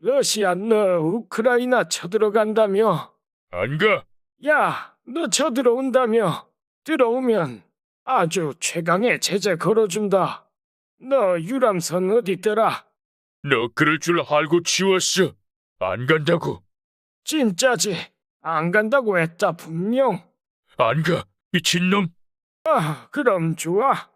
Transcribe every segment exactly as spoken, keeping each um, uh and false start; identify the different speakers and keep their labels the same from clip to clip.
Speaker 1: 러시아 너 우크라이나 쳐들어간다며?
Speaker 2: 안 가.
Speaker 1: 야, 너 쳐들어온다며? 들어오면 아주 최강의 제재 걸어준다. 너 유람선 어디더라?
Speaker 2: 너 그럴 줄 알고 지웠어. 안 간다고.
Speaker 1: 진짜지? 안 간다고 했다 분명.
Speaker 2: 안 가. 미친놈.
Speaker 1: 아, 그럼 좋아.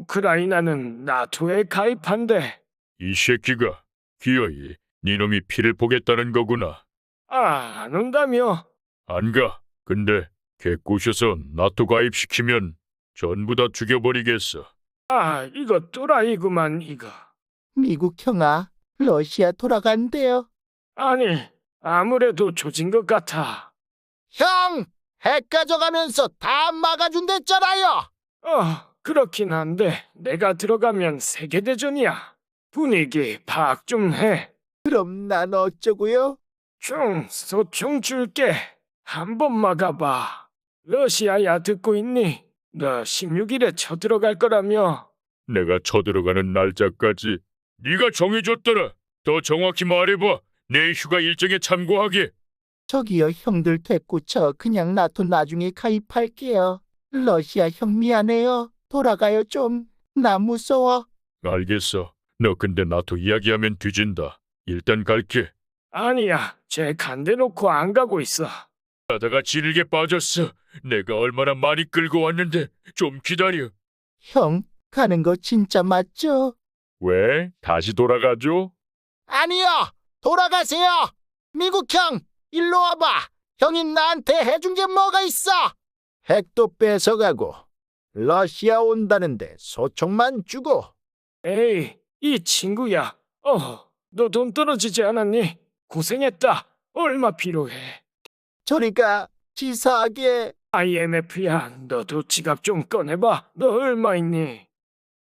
Speaker 1: 우크라이나는 나토에 가입한대.
Speaker 2: 이 새끼가 기어이 네 놈이 피를 보겠다는 거구나.
Speaker 1: 아, 안 온다며?
Speaker 2: 안 가. 근데 개 꼬셔서 나토 가입시키면 전부 다 죽여버리겠어.
Speaker 1: 아, 이거 또라이구만 이거.
Speaker 3: 미국 형아, 러시아 돌아간대요.
Speaker 1: 아니, 아무래도 조진 것 같아.
Speaker 3: 형! 핵 가져가면서 다 막아준댔잖아요.
Speaker 1: 어, 그렇긴 한데 내가 들어가면 세계대전이야. 분위기 파악 좀 해.
Speaker 3: 그럼 난 어쩌고요?
Speaker 1: 총, 소총 줄게. 한 번 막아봐. 러시아야 듣고 있니? 너 십육 일에 쳐들어갈 거라며.
Speaker 2: 내가 쳐들어가는 날짜까지 네가 정해줬더라. 더 정확히 말해봐. 내 휴가 일정에 참고하게.
Speaker 3: 저기요 형들 됐고 저 그냥 나토 나중에 가입할게요. 러시아 형 미안해요. 돌아가요 좀. 나 무서워.
Speaker 2: 알겠어. 너 근데 나토 이야기하면 뒤진다. 일단 갈게.
Speaker 1: 아니야, 쟤 간대 놓고 안 가고 있어.
Speaker 2: 가다가 질게 빠졌어. 내가 얼마나 많이 끌고 왔는데 좀 기다려.
Speaker 3: 형, 가는 거 진짜 맞죠?
Speaker 2: 왜? 다시 돌아가죠?
Speaker 3: 아니요. 돌아가세요. 미국 형, 일로 와봐. 형이 나한테 해준 게 뭐가 있어? 핵도 뺏어가고 러시아 온다는데 소총만 주고.
Speaker 1: 에이, 이 친구야. 어, 너 돈 떨어지지 않았니? 고생했다. 얼마 필요해?
Speaker 3: 저리가 치사하게.
Speaker 1: 아이엠에프야, 너도 지갑 좀 꺼내봐. 너 얼마 있니?